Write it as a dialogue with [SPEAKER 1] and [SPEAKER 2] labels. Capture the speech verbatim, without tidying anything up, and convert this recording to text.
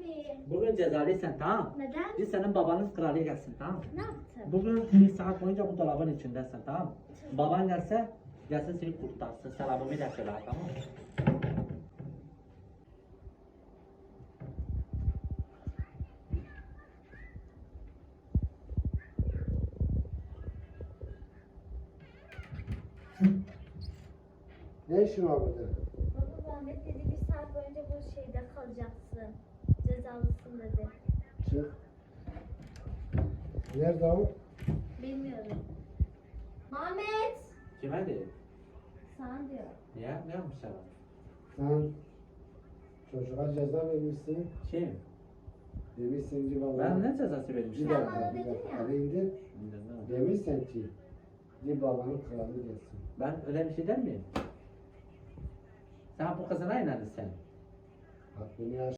[SPEAKER 1] abi.
[SPEAKER 2] Bugün cezalıysan tamam.
[SPEAKER 1] Neden?
[SPEAKER 2] Bir senin babanız kralı gelsin tamam.
[SPEAKER 1] Ne yaptın?
[SPEAKER 2] Bugün bir saat boyunca bu dolabın içindesin tamam. Baban gelse gelsin seni kurtarsın. Selamımı da söyle tamam mı?
[SPEAKER 3] Ne işin var burada?
[SPEAKER 1] Baba Ahmet dedi bir saat boyunca bu şeyde kalacaksın. Cezalısın dedi.
[SPEAKER 3] Çık. Nerede o?
[SPEAKER 1] Bilmiyorum. Ahmet!
[SPEAKER 2] Kime değil?
[SPEAKER 1] Sana diyor.
[SPEAKER 2] Ya ne yapmış sana?
[SPEAKER 3] Sen çocuğa ceza vermişsin.
[SPEAKER 2] Kim?
[SPEAKER 3] Demişsin ki baba.
[SPEAKER 2] Ben ne cezası
[SPEAKER 3] Bir
[SPEAKER 2] vermişim?
[SPEAKER 1] Sen
[SPEAKER 3] dakika,
[SPEAKER 1] bana
[SPEAKER 3] bir
[SPEAKER 1] dedin
[SPEAKER 3] dakika.
[SPEAKER 1] ya.
[SPEAKER 3] Hadi indir. Demişsin ki bir babanın kralı gelsin.
[SPEAKER 2] Ben öyle bir şey der miyim? Sen bu kızına inandın sen.
[SPEAKER 3] Bak bunu yaş